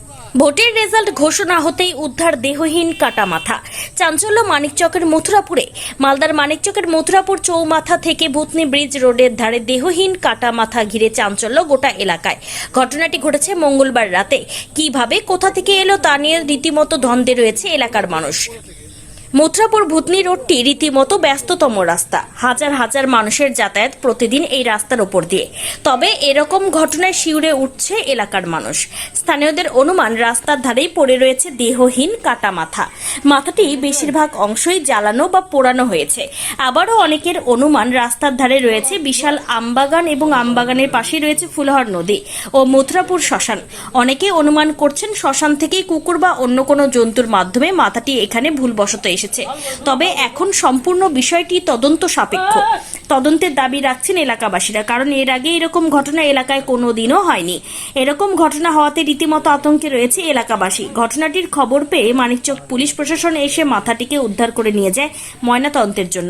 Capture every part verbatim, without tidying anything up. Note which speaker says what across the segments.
Speaker 1: ভোটের রেজাল্ট ঘোষণা হতেই উদ্ধার দেহহীন কাটা মাথা। চাঞ্চল্য মানিকচকের মথুরাপুরে। মালদার মানিকচকের মথুরাপুর চৌমাথা থেকে ভূতনি ব্রিজ রোডের ধারে দেহহীন কাটা মাথা ঘিরে চাঞ্চল্য গোটা এলাকায়। ঘটনাটি ঘটেছে মঙ্গলবার রাতে। কিভাবে, কোথা থেকে এলো তা নিয়ে রীতিমতো দ্বন্দ্বে রয়েছে এলাকার মানুষ। মথুরাপুর ভূতনি রোডটি রীতিমতো ব্যস্ততম রাস্তা। হাজার হাজার মানুষের যাতায়াত প্রতিদিন এই রাস্তার ওপর দিয়ে। তবে এরকম ঘটনায় শিউরে উঠছে এলাকার মানুষ। স্থানীয়দের অনুমান রাস্তার ধারেই পড়ে রয়েছে দেহহীন কাটা মাথা। মাথাটি বেশিরভাগ অংশই জ্বালানো বা পোড়ানো হয়েছে। আবারও অনেকের অনুমান রাস্তার ধারে রয়েছে বিশাল আমবাগান এবং আমবাগানের পাশেই রয়েছে ফুলহর নদী ও মথুরাপুর শ্মশান। অনেকে অনুমান করছেন শ্মশান থেকেই কুকুর বা অন্য কোনো জন্তুর মাধ্যমে মাথাটি এখানে ভুলবশত এসেছে। তবে এখন সম্পূর্ণ বিষয়টি তদন্ত সাপেক্ষ। তদন্তের দাবি রাখছেন এলাকাবাসীরা, কারণ এর আগে এরকম ঘটনা এলাকায় কোনোদিনও হয়নি। এরকম ঘটনা হওয়াতে রীতিমতো আতঙ্কে রয়েছে এলাকাবাসী। ঘটনাটির খবর পেয়ে মানিকচক পুলিশ প্রশাসন এসে মাথাটিকে উদ্ধার করে নিয়ে যায় ময়নাতদন্তের জন্য।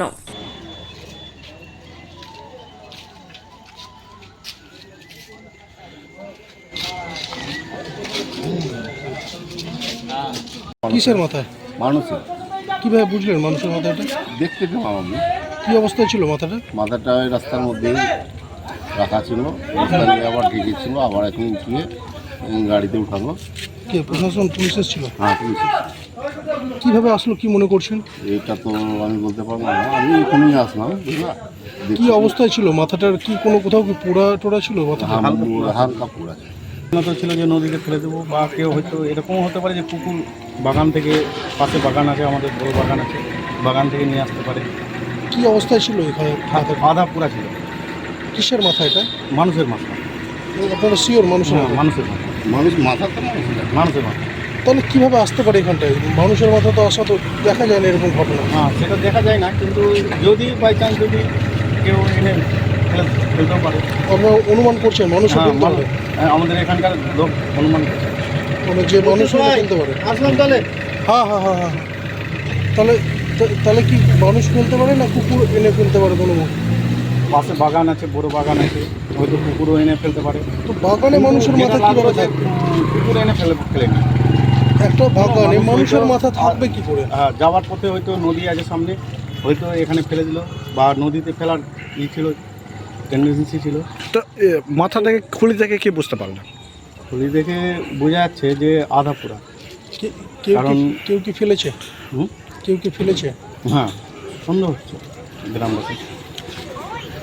Speaker 2: কিসের মাথায়?
Speaker 3: মানুষের।
Speaker 2: কিভাবে বুঝলেন মানুষের মাথাটা?
Speaker 3: দেখতে পেলাম আমি।
Speaker 2: কি অবস্থায় ছিল মাথাটা?
Speaker 3: মাথাটা ওই রাস্তার মধ্যেই রাখা ছিল, রাস্তা নিয়ে আবার ঢেকেছিল, আবার এখন উঠিয়ে গাড়িতে উঠানো।
Speaker 2: কে প্রশাসন পুলিশ এসেছিল?
Speaker 3: হ্যাঁ, পুলিশ।
Speaker 2: কিভাবে আসলো, কি মনে করছেন?
Speaker 3: এটা তো আমি বলতে পারবো না, আমি এখানেই আসলাম, বুঝলা।
Speaker 2: কি অবস্থায় ছিল মাথাটার? কি কোনো কোথাও কি পোড়া টোড়া ছিল মাথাটা?
Speaker 3: হালকা পোড়া ছিল।
Speaker 4: তো ছিল যে নদীতে ফেলে দেবো, বা কেউ হয়তো এরকমও হতে পারে যে পুকুর বাগান থেকে, পাশে বাগান আছে, আমাদের বড় বাগান আছে, বাগান থেকে নিয়ে আসতে পারে।
Speaker 2: কি অবস্থায় ছিল এখানে মাথাটা?
Speaker 4: আধা পুরা ছিল।
Speaker 2: কিসের মাথা এটা?
Speaker 4: মানুষের মাথা।
Speaker 2: আপনারা শিওর মানুষের
Speaker 4: হ্যাঁ,
Speaker 2: মাথা?
Speaker 4: মানুষের মাথা।
Speaker 3: মানুষ মাথা তো মানুষের।
Speaker 4: মানুষের মাথা।
Speaker 2: তাহলে কিভাবে আসতে পারে এখানটায়? মানুষের মাথা তো আসা তো দেখা যায় না এরকম ঘটনা।
Speaker 4: হ্যাঁ, সেটা দেখা যায় না, কিন্তু যদি বাই চান্স যদি কেউ এনে ফেলে ফেলতেও পারে।
Speaker 2: আপনারা অনুমান করছেন মানুষ
Speaker 4: হ্যাঁ,
Speaker 2: ফেলতে পারে?
Speaker 4: হ্যাঁ, আমাদের এখানকার লোক অনুমান করছে।
Speaker 2: মানে যে মানুষ ফেলতে পারে?
Speaker 4: আসলাম তাহলে।
Speaker 2: হ্যাঁ হ্যাঁ হ্যাঁ হ্যাঁ তাহলে তাহলে কি মানুষ ফেলতে পারে না কুকুর এনে ফেলতে পারে কোনো?
Speaker 4: পাশে বাগান আছে, বড় বাগান আছে, হয়তো কুকুরও এনে ফেলতে পারে।
Speaker 2: তো বাগানে মানুষের মাথা কিভাবে থাকবে?
Speaker 4: কুকুর এনে ফেলে ফেলে না।
Speaker 2: একটা বাগানে মানুষের মাথা থাকবে কি করে?
Speaker 4: হ্যাঁ, যাওয়ার পথে হয়তো নদী আছে সামনে, হয়তো এখানে ফেলে দিল, বা নদীতে ফেলার ই ছিল, টেন্ডেন্সি ছিল।
Speaker 5: তো এ, মাথাটাকে খুলি থেকে কি বুঝতে পারলেন?
Speaker 4: খুলি দেখে বোঝা যাচ্ছে যে আধা পুরা।
Speaker 2: কে- কেউ
Speaker 4: কারণ
Speaker 2: কি কেউ কি ফেলেছে?
Speaker 4: হুম,
Speaker 2: কেউ কি ফেলেছে?
Speaker 4: হ্যাঁ, সন্দেহ হচ্ছে গ্রামবাসী।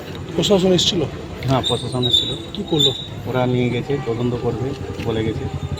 Speaker 2: প্রশাসন এসেছিল?
Speaker 4: হ্যাঁ, প্রশাসন এসেছিল।
Speaker 2: কি করলো?
Speaker 4: ওরা নিয়ে গেছে, তদন্ত করবে বলে গেছে।